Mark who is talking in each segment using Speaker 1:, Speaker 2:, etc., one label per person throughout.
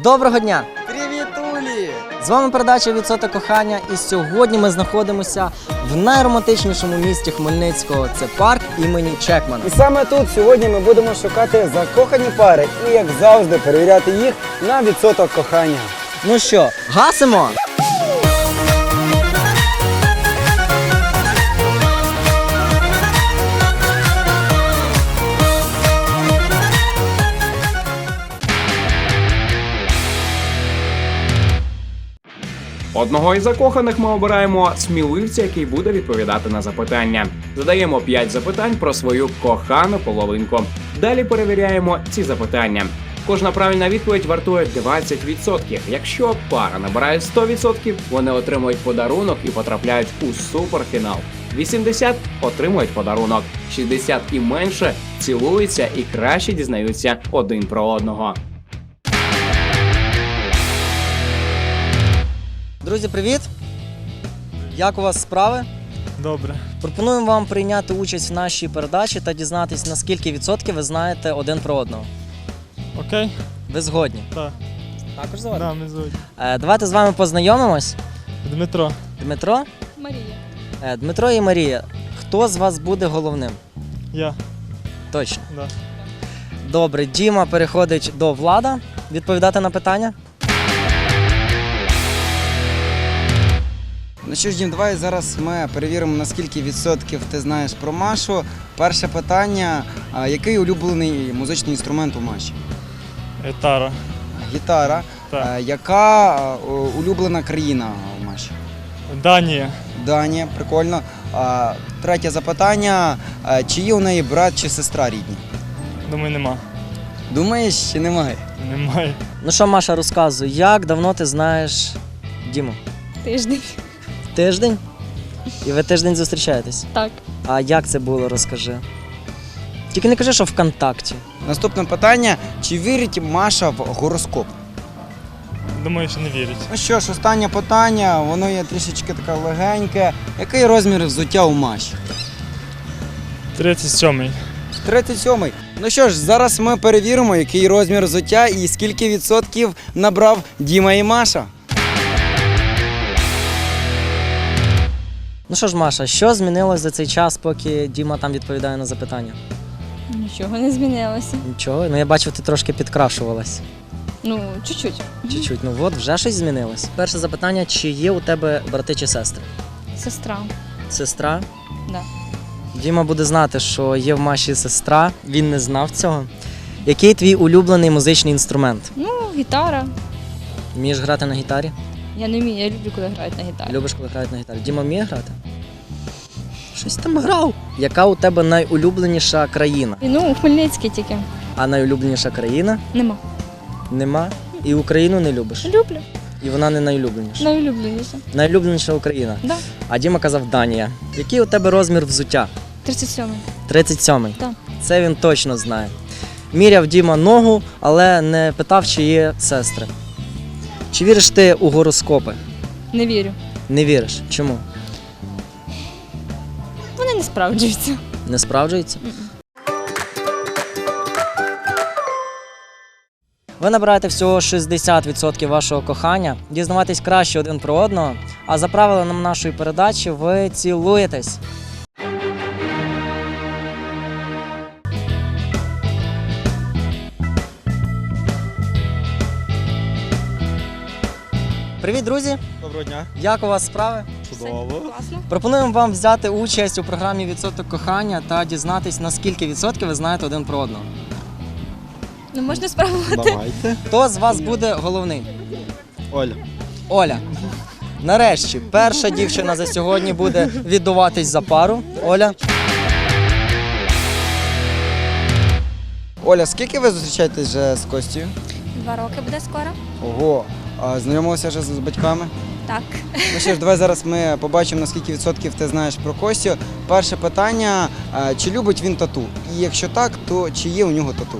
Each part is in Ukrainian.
Speaker 1: Доброго дня!
Speaker 2: Привітулі!
Speaker 1: З вами передача «Відсоток кохання» і сьогодні ми знаходимося в найромантичнішому місті Хмельницького. Це парк імені Чекмана.
Speaker 2: І саме тут сьогодні ми будемо шукати закохані пари і, як завжди, перевіряти їх на відсоток кохання.
Speaker 1: Ну що, гасимо?
Speaker 3: Одного із закоханих ми обираємо сміливця, який буде відповідати на запитання. Задаємо 5 запитань про свою кохану половинку. Далі перевіряємо ці запитання. Кожна правильна відповідь вартує 20%. Якщо пара набирає 100%, вони отримують подарунок і потрапляють у суперфінал. 80 отримують подарунок, 60 і менше цілуються і краще дізнаються один про одного.
Speaker 1: Друзі, привіт! Як у вас справи?
Speaker 4: Добре.
Speaker 1: Пропонуємо вам прийняти участь в нашій передачі та дізнатись, на скільки відсотків ви знаєте один про одного.
Speaker 4: Окей?
Speaker 1: Ви згодні?
Speaker 4: Так.
Speaker 1: Також згодні?
Speaker 4: Да, ми згодні.
Speaker 1: Давайте з вами познайомимось.
Speaker 4: Дмитро.
Speaker 1: Дмитро?
Speaker 5: Марія.
Speaker 1: Дмитро і Марія. Хто з вас буде головним?
Speaker 4: Я.
Speaker 1: Точно.
Speaker 4: Да.
Speaker 1: Добре, Діма переходить до Влада. Відповідати на питання?
Speaker 2: Ну що ж, Дім, давай зараз ми перевіримо, на скільки відсотків ти знаєш про Машу. Перше питання. Який улюблений музичний інструмент у Маші?
Speaker 4: Гітара.
Speaker 2: Гітара.
Speaker 4: Так.
Speaker 2: Яка улюблена країна у Маші?
Speaker 4: Данія.
Speaker 2: Данія, прикольно. Третє запитання. Чи є у неї брат чи сестра рідні?
Speaker 4: Думаю, нема.
Speaker 2: Думаєш, чи немає?
Speaker 4: Немає.
Speaker 1: Ну що, Маша, розказуй, як давно ти знаєш Діму?
Speaker 5: Тиждень.
Speaker 1: Тиждень? І ви тиждень зустрічаєтесь?
Speaker 5: Так.
Speaker 1: А як це було, розкажи. Тільки не кажи, що ВКонтакті.
Speaker 2: Наступне питання. Чи вірить Маша в гороскоп?
Speaker 4: Думаю, що не вірять.
Speaker 2: Ну що ж, останнє питання, воно є трішечки таке легеньке. Який розмір взуття у Маші?
Speaker 4: 37-й.
Speaker 2: 37-й. Ну що ж, зараз ми перевіримо, який розмір взуття і скільки відсотків набрав Діма і Маша.
Speaker 1: Ну що ж, Маша, що змінилось за цей час, поки Діма там відповідає на запитання?
Speaker 5: Нічого не змінилося.
Speaker 1: Нічого, ну я бачив, ти трошки підкрашувалась.
Speaker 5: Ну, чуть-чуть.
Speaker 1: Чуть-чуть, ну от, вже щось змінилось. Перше запитання, чи є у тебе брати чи сестри?
Speaker 5: Сестра.
Speaker 1: Сестра?
Speaker 5: Да.
Speaker 1: Діма буде знати, що є в Маші сестра, він не знав цього. Який твій улюблений музичний інструмент?
Speaker 5: Ну, гітара.
Speaker 1: Вмієш грати на гітарі?
Speaker 5: Я не вмію, я люблю, коли грають на гітарі.
Speaker 1: Любиш, коли грають на гітарі? Діма вміє грати? Щось там грав. Яка у тебе найулюбленіша країна?
Speaker 5: І, ну, у Хмельницький тільки.
Speaker 1: А найулюбленіша країна?
Speaker 5: Нема.
Speaker 1: Нема. І Україну не любиш?
Speaker 5: Люблю.
Speaker 1: І вона не найулюбленіша?
Speaker 5: Найулюбленіше.
Speaker 1: Найулюбленіша Україна?
Speaker 5: Да.
Speaker 1: А Діма казав Данія. Який у тебе розмір взуття?
Speaker 5: 37-й.
Speaker 1: 37-й?
Speaker 5: Так.
Speaker 1: Це він точно знає. Міряв Діма ногу, але не питав, чи є сестри. Чи віриш ти у гороскопи?
Speaker 5: Не вірю.
Speaker 1: Не віриш. Чому?
Speaker 5: Вони не справджуються.
Speaker 1: Не справджується? Ви набираєте всього 60% вашого кохання, дізнаватись краще один про одного, а за правилами нашої передачі ви цілуєтесь. Привіт, друзі!
Speaker 4: Доброго дня.
Speaker 1: Як у вас справи?
Speaker 4: Чудово.
Speaker 5: Класно.
Speaker 1: Пропонуємо вам взяти участь у програмі «Відсоток кохання» та дізнатись, на скільки відсотків ви знаєте один про одного.
Speaker 5: Ну, можна спробувати.
Speaker 4: Давайте.
Speaker 1: Хто з вас буде головний?
Speaker 4: Оля.
Speaker 1: Оля. Нарешті, перша дівчина за сьогодні буде віддуватись за пару. Оля.
Speaker 2: Оля, скільки ви зустрічаєтесь вже з Костю?
Speaker 6: 2 роки буде скоро.
Speaker 2: Ого. А знайомилися вже з батьками?
Speaker 6: Так.
Speaker 2: Ну що ж, давай зараз ми побачимо, на скільки відсотків ти знаєш про Костю. Перше питання, чи любить він тату? І якщо так, то чи є у нього тату?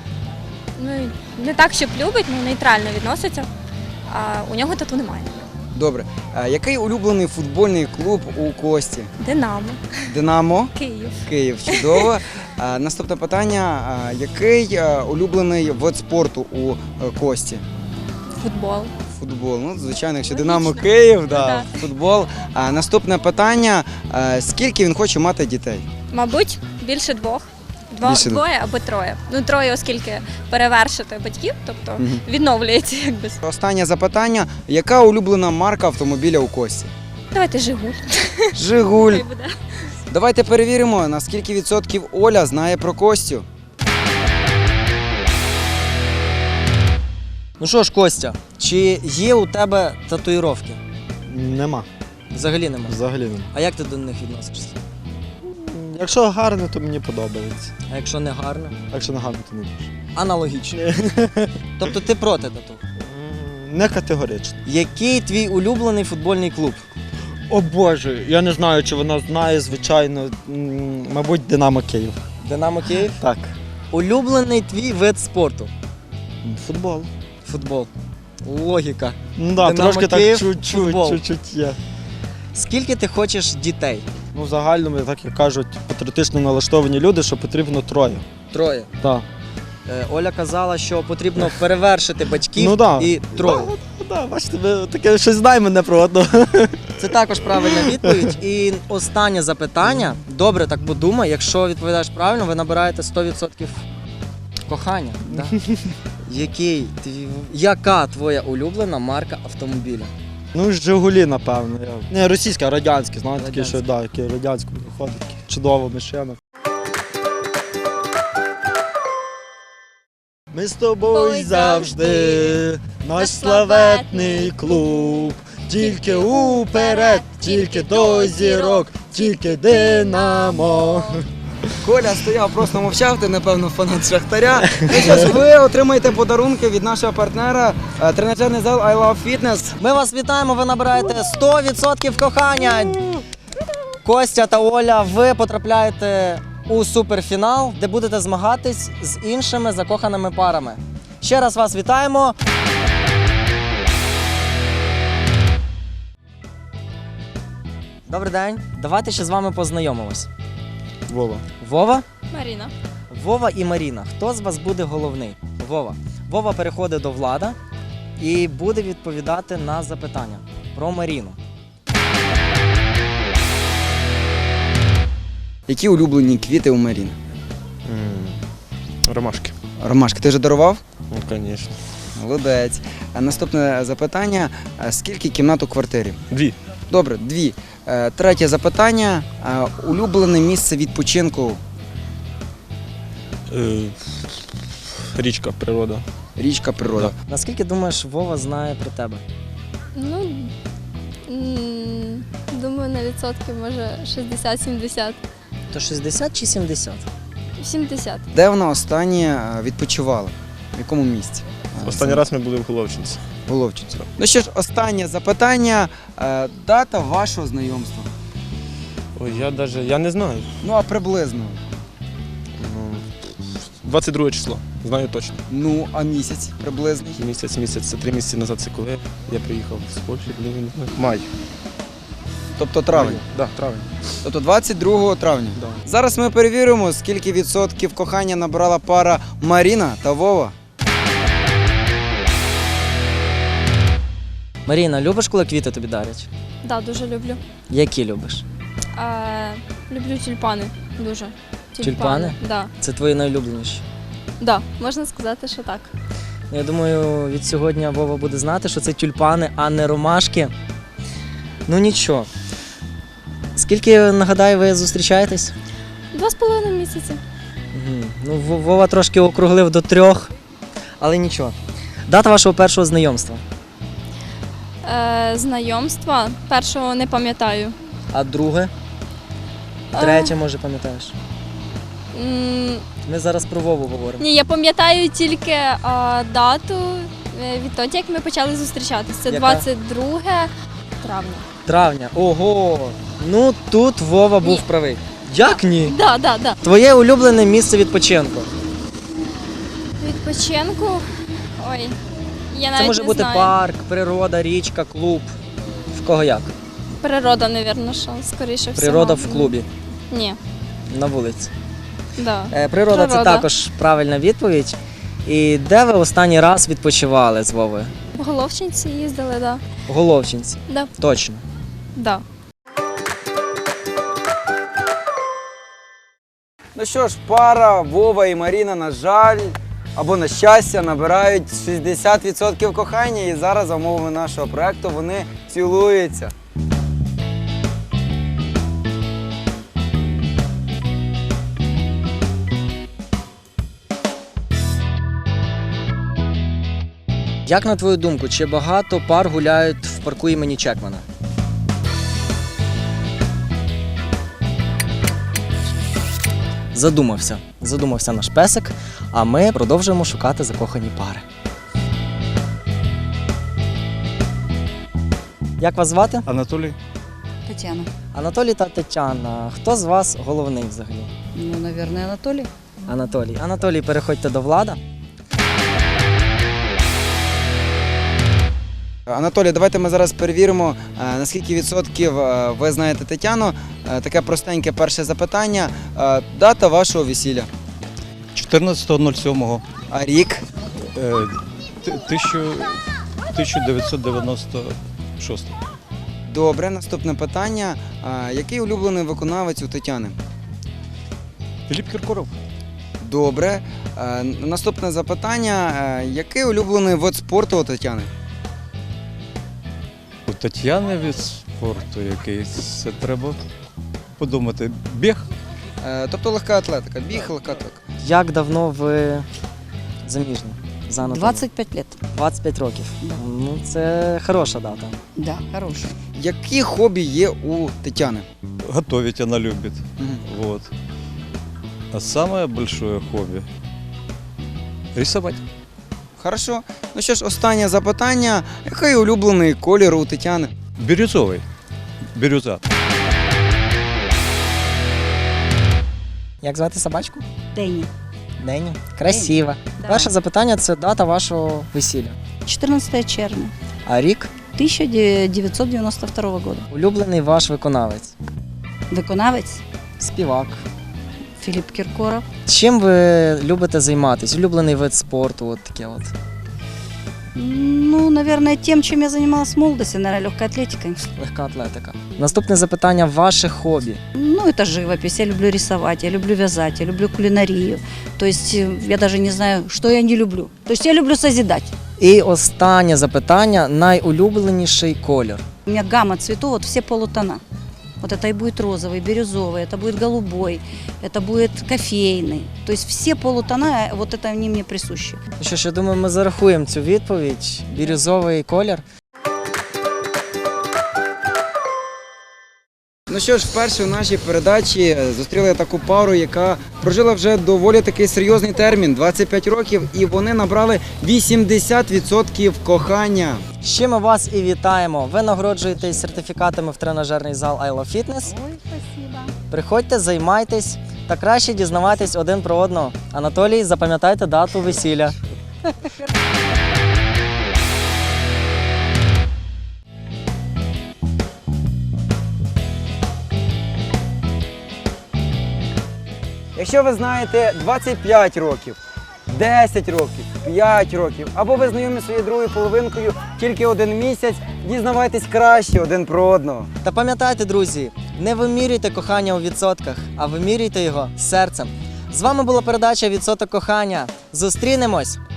Speaker 6: Ну, не так, щоб любить, ну нейтрально відноситься. А у нього тату немає.
Speaker 2: Добре. Який улюблений футбольний клуб у Кості?
Speaker 6: Динамо.
Speaker 2: Динамо?
Speaker 6: Київ.
Speaker 2: Київ. Чудово. Наступне питання. Який улюблений вид спорту у Кості?
Speaker 6: Футбол.
Speaker 2: Футбол. Ну, звичайно, якщо
Speaker 6: Логічно.
Speaker 2: Динамо Київ,
Speaker 6: Да.
Speaker 2: футбол. Наступне питання. Скільки він хоче мати дітей?
Speaker 6: Мабуть, більше двох.
Speaker 2: Більше
Speaker 6: Двоє або троє. Ну, троє, оскільки перевершити батьків, тобто
Speaker 2: Мгм.
Speaker 6: відновлюється якби.
Speaker 2: Останнє запитання. Яка улюблена марка автомобіля у Кості?
Speaker 6: Давайте Жигуль.
Speaker 2: Жигуль.
Speaker 6: Хай буде.
Speaker 2: Давайте перевіримо, на скільки відсотків Оля знає про Костю.
Speaker 1: Ну що ж, Костя, чи є у тебе татуїровки?
Speaker 7: Нема.
Speaker 1: Взагалі немає.
Speaker 7: Взагалі нема.
Speaker 1: А як ти до них відносишся?
Speaker 7: Якщо гарно, то мені подобається.
Speaker 1: А якщо не гарно?
Speaker 7: А якщо не гарно, то не дуже.
Speaker 1: Аналогічно. Тобто ти проти тату?
Speaker 7: Не категорично.
Speaker 1: Який твій улюблений футбольний клуб?
Speaker 7: О Боже, я не знаю, чи вона знає, звичайно. Мабуть, Динамо Київ.
Speaker 1: Динамо Київ?
Speaker 7: Так.
Speaker 1: Улюблений твій вид спорту?
Speaker 7: Футбол.
Speaker 1: Футбол. Логіка.
Speaker 7: Ну да,
Speaker 1: Динамо
Speaker 7: трошки
Speaker 1: Київ,
Speaker 7: так чуть-чуть,
Speaker 1: футбол.
Speaker 7: чуть-чуть є.
Speaker 1: Скільки ти хочеш дітей?
Speaker 7: Ну, в загальному, так як кажуть, патріотично налаштовані люди, що потрібно троє.
Speaker 1: Троє.
Speaker 7: Так.
Speaker 1: Оля казала, що потрібно перевершити батьків
Speaker 7: Ну да.
Speaker 1: і троє.
Speaker 7: Да, бачите, ви таке щось знає мене про одного.
Speaker 1: Це також правильна відповідь. І останнє запитання. Добре, так подумай, якщо відповідаєш правильно, ви набираєте 100% кохання. Да? Яка твоя улюблена марка автомобіля?
Speaker 7: Ну, Жигулі, напевно. Не російська, а радянська, знаєте, такі, що
Speaker 1: Радянська.
Speaker 7: да, які радянську виходить, такі чудова машина. Ми з тобою
Speaker 6: Ой,
Speaker 7: завжди,
Speaker 6: завжди,
Speaker 7: наш
Speaker 6: наш
Speaker 7: славетний
Speaker 6: славетний
Speaker 7: клуб. Тільки уперед, тільки до зірок, тільки Динамо.
Speaker 2: Коля стояв, просто мовчав, ти, напевно, фанат Шахтаря. Ну що ж, ви отримаєте подарунки від нашого партнера тренажерний зал I Love Fitness.
Speaker 1: Ми вас вітаємо, ви набираєте 100% кохання. Костя та Оля, ви потрапляєте у суперфінал, де будете змагатись з іншими закоханими парами. Ще раз вас вітаємо. Добрий день. Давайте ще з вами познайомимось.
Speaker 7: Вова.
Speaker 1: Вова?
Speaker 5: Маріна.
Speaker 1: Вова і Маріна. Хто з вас буде головний? Вова. Вова переходить до Влада і буде відповідати на запитання про Маріну.
Speaker 2: Які улюблені квіти у Маріни?
Speaker 7: Ромашки.
Speaker 2: Ромашки, ти вже дарував?
Speaker 7: Ну, звісно.
Speaker 2: Молодець. Наступне запитання. Скільки кімнат у квартирі?
Speaker 7: 2.
Speaker 2: Добре, 2. Третє запитання. Улюблене місце відпочинку?
Speaker 7: Річка, природа.
Speaker 2: Річка, природа.
Speaker 1: Наскільки думаєш, Вова знає про тебе?
Speaker 5: Ну, думаю, на відсотки, може 60-70.
Speaker 1: То 60 чи 70?
Speaker 5: 70.
Speaker 2: Де вона останнє відпочивала? В якому місці?
Speaker 8: Останній раз ми були в Головчинці.
Speaker 2: Головчинці. Ну що ж, останнє запитання. Дата вашого знайомства?
Speaker 8: Ой, я не знаю.
Speaker 2: Ну, а приблизно.
Speaker 8: Ну, 22 число, знаю точно.
Speaker 2: Ну, а місяць приблизний?
Speaker 8: Місяць, це 3 місяці назад, це коли я приїхав з Польщі, коли він май.
Speaker 2: Тобто травень.
Speaker 8: Так, травень.
Speaker 2: Тобто 22 травня.
Speaker 8: Да.
Speaker 2: Зараз ми перевіримо, скільки відсотків кохання набрала пара Маріна та Вова.
Speaker 1: Маріна, любиш, коли квіти тобі дарять?
Speaker 5: Да, дуже люблю.
Speaker 1: Які любиш?
Speaker 5: Люблю тюльпани. Дуже.
Speaker 1: Тюльпани?
Speaker 5: Да.
Speaker 1: Це твої найулюбленіші.
Speaker 5: Да, можна сказати, що так.
Speaker 1: Я думаю, від сьогодні Вова буде знати, що це тюльпани, а не ромашки. Ну нічого. Скільки, нагадаю, ви зустрічаєтесь?
Speaker 5: 2,5 місяці.
Speaker 1: Угу. Ну, Вова трошки округлив до 3, але нічого. Дата вашого першого знайомства.
Speaker 5: Знайомства першого не пам'ятаю.
Speaker 1: А друге? Третє, може, пам'ятаєш? Ми зараз про Вову говоримо.
Speaker 5: Ні, я пам'ятаю тільки дату відтоді, як ми почали зустрічатися. Це
Speaker 1: Яка?
Speaker 5: 22 травня.
Speaker 1: Травня. Ого! Ну тут Вова був
Speaker 5: Ні.
Speaker 1: правий. Як ні?
Speaker 5: Да.
Speaker 1: Твоє улюблене місце відпочинку.
Speaker 5: Відпочинку. Ой, я навіть
Speaker 1: Це може
Speaker 5: не
Speaker 1: бути
Speaker 5: знаю.
Speaker 1: парк, природа, річка, клуб. кого як?
Speaker 5: Природа, мабуть, що скоріше всього.
Speaker 1: Природа в клубі,
Speaker 5: Ні.
Speaker 1: на вулиці.
Speaker 5: Да.
Speaker 1: Природа це
Speaker 5: Природа.
Speaker 1: також правильна відповідь. І де ви останній раз відпочивали з Вовою?
Speaker 5: В Головчинці їздили, да.
Speaker 1: В Головчинці.
Speaker 5: Да.
Speaker 1: Точно.
Speaker 5: Да.
Speaker 2: Ну що ж, пара Вова і Маріна, на жаль, або на щастя, набирають 60% кохання, і зараз за умовами нашого проекту вони цілуються.
Speaker 1: Як на твою думку, чи багато пар гуляють в парку імені Чекмана? Задумався наш песик, а ми продовжуємо шукати закохані пари. Як вас звати?
Speaker 8: Анатолій?
Speaker 9: Тетяна.
Speaker 1: Анатолій та Тетяна. Хто з вас головний взагалі?
Speaker 9: Ну, наверное, Анатолий.
Speaker 1: Анатолій. Анатолій, переходьте до Влада.
Speaker 2: Анатолій, давайте ми зараз перевіримо, наскільки відсотків ви знаєте Тетяну. Таке простеньке перше запитання. Дата вашого весілля?
Speaker 8: 14.07.
Speaker 2: А рік?
Speaker 8: 1996.
Speaker 2: Добре, наступне питання. Який улюблений виконавець у Тетяни?
Speaker 8: Філіп Кіркоров.
Speaker 2: Добре. Наступне запитання. Який улюблений вид спорту у Тетяни?
Speaker 8: У Тетяни від спорту якийсь. Це треба подумати. Біг?
Speaker 2: Тобто легка атлетика. Біг, легка атлетика.
Speaker 1: Як давно ви заміжні? За Анатолієм?
Speaker 9: 25 лет.
Speaker 1: 25 років.
Speaker 9: Да.
Speaker 1: Ну, це хороша дата.
Speaker 9: Да, хороший.
Speaker 2: Які хобі є у Тетяни?
Speaker 8: Готовить она любит. Вот. А самое большое хобби – рисовать.
Speaker 2: Хорошо. Ну що ж, останнє запитання. Який улюблений колір у Тетяни?
Speaker 8: Бирюзовый. Бирюза.
Speaker 1: Як звати собачку?
Speaker 9: Дэнни.
Speaker 1: Дені. Красиво.
Speaker 9: Да.
Speaker 1: Перше запитання це дата вашого весілля.
Speaker 9: 14 червня.
Speaker 1: А рік?
Speaker 9: 1992 года.
Speaker 1: Улюблений ваш виконавець.
Speaker 9: Виконавець
Speaker 1: Співак.
Speaker 9: Филипп Киркоров.
Speaker 1: Чим ви любите займатися? Улюблений вид спорту, от таке от.
Speaker 9: Ну, наверное, тем, чем я занималась в молодости, наверное, легкой атлетикой.
Speaker 1: Легка атлетика. Наступне запитання ваше хобі.
Speaker 9: Ну, это живопись. Я люблю рисовать, я люблю вязать, я люблю кулинарию. То есть я даже не знаю, что я не люблю. То есть я люблю созидать.
Speaker 1: І останнє запитання найулюбленіший колір.
Speaker 9: У меня гамма цветов, вот все полутона. Вот это и будет розовый, бирюзовый, это будет голубой, это будет кофейный. То есть все полутона, вот это они мне присущи.
Speaker 1: Ну що ж, я думаю, ми зарахуємо цю відповідь. Бірюзовий колір.
Speaker 2: Ну що ж, вперше у нашій передачі зустріли таку пару, яка прожила вже доволі такий серйозний термін – 25 років, і вони набрали 80% кохання.
Speaker 1: З чим ми вас і вітаємо. Ви нагороджуєтесь сертифікатами в тренажерний зал I Love Fitness.
Speaker 9: Ой, спасибо.
Speaker 1: Приходьте, займайтесь та краще дізнавайтесь один про одного. Анатолій, запам'ятайте дату весілля.
Speaker 2: Якщо ви знаєте 25 років, 10 років, 5 років, або ви знайомі зі своєю другою половинкою тільки один місяць, дізнавайтесь краще один про одного.
Speaker 1: Та пам'ятайте, друзі, не вимірюйте кохання у відсотках, а вимірюйте його серцем. З вами була передача «Відсоток кохання». Зустрінемось